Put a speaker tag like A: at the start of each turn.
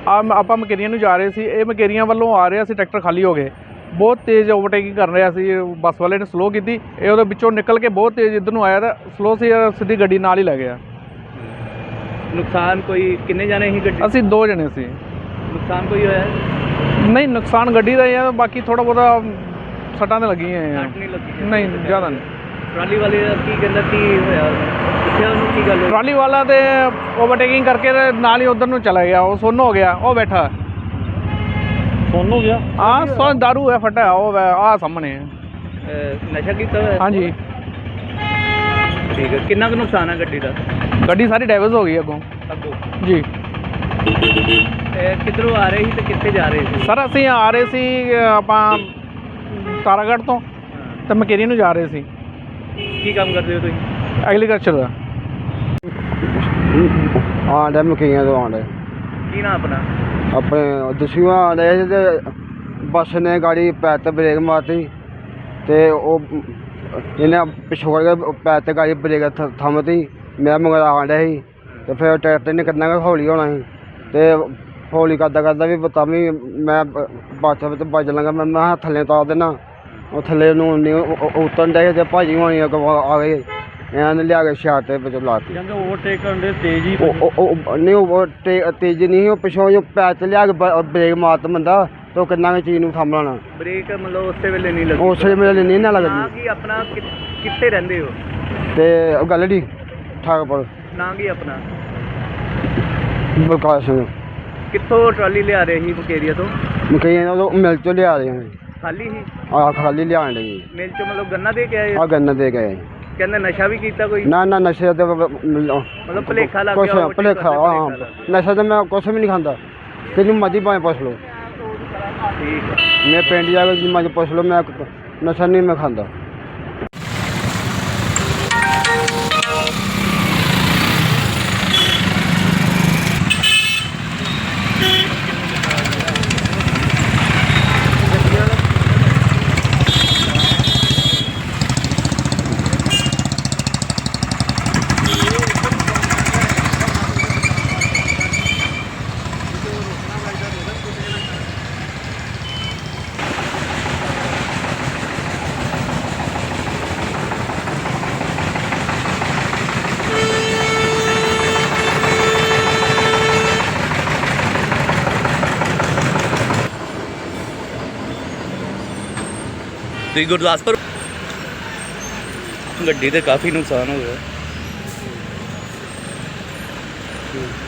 A: ਆਪਾਂ ਮਕੇਰੀਆਂ ਨੂੰ ਜਾ ਰਹੇ ਸੀ। ਇਹ ਮਕੇਰੀਆਂ ਵੱਲੋਂ ਆ ਰਿਹਾ ਸੀ, ਟਰੈਕਟਰ ਖਾਲੀ ਹੋ ਗਏ। ਬਹੁਤ ਤੇਜ਼ ਓਵਰਟੇਕਿੰਗ ਕਰ ਰਿਹਾ ਸੀ। ਬੱਸ ਵਾਲੇ ਨੇ ਸਲੋ ਕੀਤੀ, ਇਹ ਉਹਦੇ ਵਿੱਚੋਂ ਨਿਕਲ ਕੇ ਬਹੁਤ ਤੇਜ਼ ਇੱਧਰ ਨੂੰ ਆਇਆ ਤਾਂ ਸਲੋ ਸੀ, ਸਿੱਧੀ ਗੱਡੀ ਨਾਲ ਹੀ ਲੈ ਗਿਆ।
B: ਨੁਕਸਾਨ ਕੋਈ ਕਿੰਨੇ ਜਾਣੇ ਸੀ ਗੱਡੀ?
A: ਅਸੀਂ 2 ਜਣੇ ਸੀ।
B: ਨੁਕਸਾਨ ਕੋਈ ਹੋਇਆ?
A: ਨਹੀਂ, ਨੁਕਸਾਨ ਗੱਡੀ ਦਾ ਹੀ ਆ, ਬਾਕੀ ਥੋੜ੍ਹਾ ਬਹੁਤਾ ਸੱਟਾਂ ਤਾਂ ਲੱਗੀਆਂ ਆ।
B: ਸੱਟ ਨਹੀਂ ਲੱਗੀ?
A: ਨਹੀਂ, ਜ਼ਿਆਦਾ ਨਹੀਂ।
B: ਟਰਾਲੀ ਵਾਲੇ ਦਾ ਕੀ ਕਹਿੰਦਾ, ਕੀ ਹੋਇਆ? ਪੁੱਛਿਆ ਉਹਨੂੰ ਕੀ ਗੱਲ ਹੋਈ?
A: ਟਰਾਲੀ ਵਾਲਾ ਤੇ ਓਵਰਟੇਕਿੰਗ ਕਰਕੇ ਤੇ ਨਾਲ ਹੀ ਉੱਧਰ ਨੂੰ ਚਲਾ ਗਿਆ। ਉਹ ਸੁੰਨ ਹੋ ਗਿਆ, ਉਹ ਬੈਠਾ
B: ਸੁੰਨ ਹੋ ਗਿਆ?
A: ਹਾਂ, ਦਾਰੂ ਹੈ ਫਟਾ, ਉਹ ਆਹ ਸਾਹਮਣੇ।
B: ਨਸ਼ਾ ਕੀਤਾ ਹੋਇਆ?
A: ਹਾਂਜੀ।
B: ਠੀਕ ਹੈ। ਕਿੰਨਾ ਕੁ ਨੁਕਸਾਨ ਹੈ ਗੱਡੀ ਦਾ?
A: ਗੱਡੀ ਸਾਰੀ ਡੈਮੇਜ ਹੋ ਗਈ ਅੱਗੋਂ ਜੀ।
B: ਕਿੱਧਰੋਂ ਆ ਰਹੇ ਸੀ ਤੇ ਕਿੱਥੇ ਜਾ ਰਹੇ ਸੀ?
A: ਸਰ ਅਸੀਂ ਆ ਰਹੇ ਸੀ ਆਪਾਂ ਤਾਰਾਗੜ੍ਹ ਤੋਂ ਤੇ ਮਕੇਰੀ ਨੂੰ ਜਾ ਰਹੇ ਸੀ।
B: ਕੀ ਕੰਮ ਕਰਦੇ ਹੋ ਤੁਸੀਂ?
A: ਐਗਰੀਕਲਚਰ ਦਾ।
C: ਆਂਡੇ ਮਕਈਆਂ ਤੋਂ ਆਂਡੇ।
B: ਕੀ ਨਾਂ ਆਪਣਾ?
C: ਆਪਣੇ ਦਸੂਆਂ ਆਂਡੇ ਤੇ ਬੱਸ ਨੇ ਗਾੜੀ ਪੈਰ ਤੇ ਬ੍ਰੇਕ ਮਾਰਤੀ ਤੇ ਉਹ ਇਹਨੇ ਪਿਛੋੜ ਕੇ ਪੈਰ ਤੇ ਗਾੜੀ ਬ੍ਰੇਕ ਥੰਮਤੀ। ਮੈਂ ਮਗਰ ਆਂਡਾ ਸੀ ਤੇ ਫਿਰ ਟਰੈਕਟਰ ਨੇ ਕਿੰਨਾ ਕੁ ਹੌਲੀ ਹੋਣਾ ਸੀ ਤੇ ਹੌਲੀ ਕਰਦਾ ਵੀ ਤਾਂ ਵੀ ਮੈਂ ਬੱਸ ਵਿੱਚ ਵੱਜ ਲਾਂਗਾ। ਮੈਂ ਥੱਲੇ ਉਤਾਰ ਦੇਣਾ। ਉਹ ਥੱਲੇ ਨੂੰ ਉਤਰਨ ਡੇ ਤੇ ਭਾਜੀ ਹੋਣੀ ਆ ਗਏ, ਇਹਨਾਂ ਨੇ ਲਿਆ ਕੇ ਸ਼ਾਟ ਦੇ ਵਿੱਚ ਲਾਤੀ।
B: ਕਹਿੰਦੇ ਓਵਰਟੇਕ ਕਰਨ ਦੇ ਤੇਜ਼ ਹੀ
C: ਨਹੀਂ, ਉਹ ਤੇਜ਼ ਨਹੀਂ, ਉਹ ਪਿਛੋਂ ਜੋ ਪੈਰ 'ਚ ਲਿਆ ਕੇ ਬ੍ਰੇਕ ਮਾਰਤ ਬੰਦਾ ਤੇ ਉਹ ਕਿੰਨਾ ਕੁ ਚੀਜ਼ ਨੂੰ ਸਾਂਭਣਾ।
B: ਬ੍ਰੇਕ ਮਤਲਬ ਉਸੇ ਵੇਲੇ ਨਹੀਂ ਲੱਗੀ?
C: ਉਸੇ ਵੇਲੇ ਨਹੀਂ ਨਾ ਲੱਗਦੀ।
B: ਕੀ ਆਪਣਾ ਕਿੱਥੇ ਰਹਿੰਦੇ ਹੋ?
C: ਤੇ ਉਹ ਗੱਲ ਡੀ ਠਾਕਪੁਰ।
B: ਨਾਂ ਕੀ ਆਪਣਾ?
C: ਬਲਕਾਰ ਸਿੰਘ।
B: ਕਿੱਥੋਂ ਟਰਾਲੀ ਲਿਆ ਰਹੇ ਸੀ ਮਕੇਰੀਆ ਤੋਂ?
C: ਮਕਈਆਂ ਉਹ ਮਿਲ ਚੋਂ ਲਿਆ ਰਹੇ ਨੇ।
B: ਖਾਲੀ ਸੀ?
C: ਆਹ ਖਾਲੀ ਲਿਆਣ ਲਈ
B: ਮਿਲ ਚੋਂ ਮਤਲਬ ਗੰਨਾ ਦੇ ਕੇ ਆਏ?
C: ਆਹ ਗੰਨਾ ਦੇ ਗਏ।
B: ਕਹਿੰਦੇ ਨਸ਼ਾ ਵੀ ਕੀਤਾ ਕੋਈ?
C: ਨਾ ਨਸ਼ੇ ਤੇ
B: ਮਤਲਬ ਭੁਲੇਖਾ ਲੱਗ
C: ਕੁਛ
B: ਗਿਆ?
C: ਭੁਲੇਖਾ, ਹਾਂ। ਨਸ਼ਾ ਤਾਂ ਮੈਂ ਕੁਛ ਵੀ ਨਹੀਂ ਖਾਂਦਾ। ਤੈਨੂੰ ਮਰਜ਼ੀ ਭਾਵੇਂ ਪੁੱਛ ਲਓ।
B: ਠੀਕ ਹੈ।
C: ਮੈਂ ਪਿੰਡ ਜਾ ਕੇ ਮਰਜ਼ੀ ਪੁੱਛ ਲਓ, ਮੈਂ ਨਸ਼ਾ ਨਹੀਂ ਮੈਂ ਖਾਂਦਾ।
B: ਤੁਸੀਂ ਗੁਰਦਾਸਪੁਰ? ਗੱਡੀ ਤੇ ਕਾਫੀ ਨੁਕਸਾਨ ਹੋ ਗਿਆ।